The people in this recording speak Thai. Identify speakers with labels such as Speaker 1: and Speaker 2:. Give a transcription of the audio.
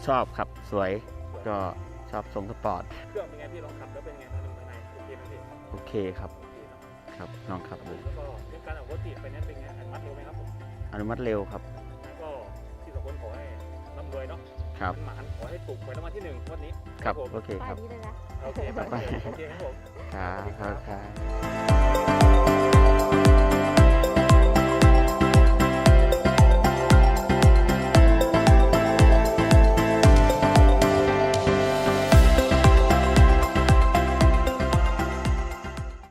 Speaker 1: ชอบครับสวยก็ชอบทรงสปอร์ต
Speaker 2: เครื่องเป็นไงพี่ลองขับแล้วเป็นไงภายในโอเคไหมพี่
Speaker 1: โอเคครับ
Speaker 2: โอเคเนาะ
Speaker 1: ครับลองขับดู
Speaker 2: แล้วก็เรื่องการออกรถติดไปนั้นเป็นไงอนุมัติเร็วไหมครับผม
Speaker 1: อนุมัติเร็วครับ
Speaker 2: แล้วก็ที่สองคนขอให้ร่ำรวยเนาะ
Speaker 1: ครับ
Speaker 2: หมานขอให้ถูกหวยรางวัลที่1งวันนี้
Speaker 1: ครับ
Speaker 2: ผม
Speaker 1: โอเคค
Speaker 3: ป้าย
Speaker 1: รับ
Speaker 3: นี้เลยนะ
Speaker 2: โอเคไปโอเคครับผม
Speaker 1: ครับครับ